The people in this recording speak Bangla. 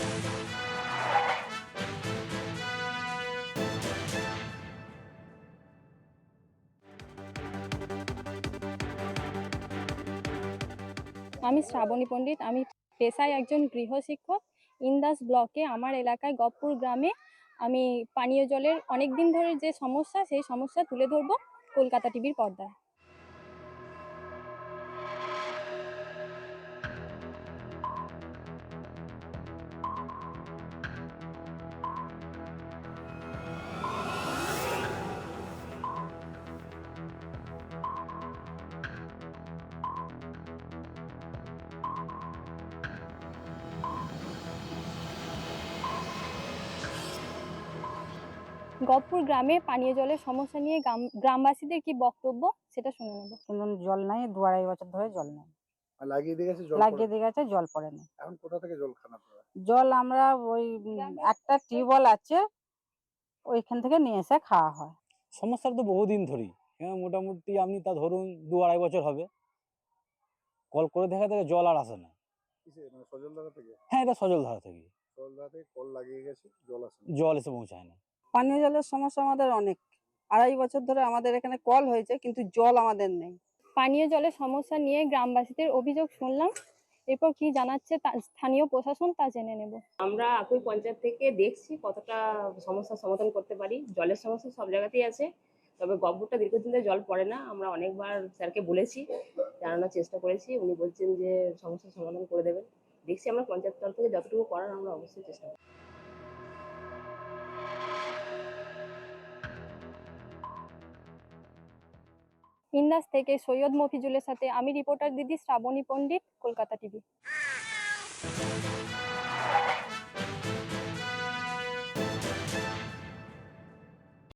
আমি শ্রাবণী পণ্ডিত। আমি পেশায় একজন গৃহশিক্ষক। ইন্দাস ব্লকে আমার এলাকায় গহপুর গ্রামে আমি পানীয় জলের অনেকদিন ধরে যে সমস্যা, সেই সমস্যা তুলে ধরবো কলকাতা টিভির পর্দায়। গহপুর গ্রামে পানীয় জলের সমস্যা নিয়ে গ্রামবাসীদের কি বক্তব্য সেটা শুনে নেব। কিন্তু জল নাই, 2-2.5 বছর ধরে জল নেই। লাগিয়ে দিয়ে গেছে, জল লাগিয়ে দিয়ে গেছে, জল পড়েনি। এখন কোথা থেকে জল খান আপনারা? জল আমরা ওই একটা টিউবওয়েল আছে, ওইখান থেকে নিয়ে এসে খাওয়া হয়। সমস্যার তো বহুদিন ধরেই, হ্যাঁ মোটামুটি আপনি তা ধরুন 2-2.5 বছর হবে। কল করে দেখা থেকে জল আর আসে না। কিসে, মানে সজলধারা থেকে? হ্যাঁ, এটা সজলধারা থেকে। সজলধারা থেকে কল লাগিয়ে গেছে, জল আসে না। জল এসে পৌঁছায় না। পানীয় জলের সমস্যা আমাদের অনেক। 2.5 বছর ধরে আমাদের এখানে কল হয়েছে, কিন্তু জল আমাদের নেই। পানীয় জলের সমস্যা নিয়ে গ্রামবাসীদের অভিযোগ শুনলাম, এরপর কি জানাচ্ছে স্থানীয় প্রশাসন তা জেনে নেব। আমরা একই পঞ্চায়েত থেকে দেখছি কতটা সমস্যার সমাধান করতে পারি। জলের সমস্যা সব জায়গাতেই আছে, তবে গহ্বরটা দীর্ঘদিন ধরে জল পড়ে না। আমরা অনেকবার স্যারকে বলেছি, জানানোর চেষ্টা করেছি, উনি বলছেন যে সমস্যার সমাধান করে দেবেন। দেখছি আমরা পঞ্চায়েত তরফ থেকে যতটুকু করার আমরা অবশ্যই চেষ্টা করব। ইন্দাস থেকে সৈয়দ মফিজুলের সাথে আমি রিপোর্টার দিদি শ্রাবণী পণ্ডিত, কলকাতা টিভি।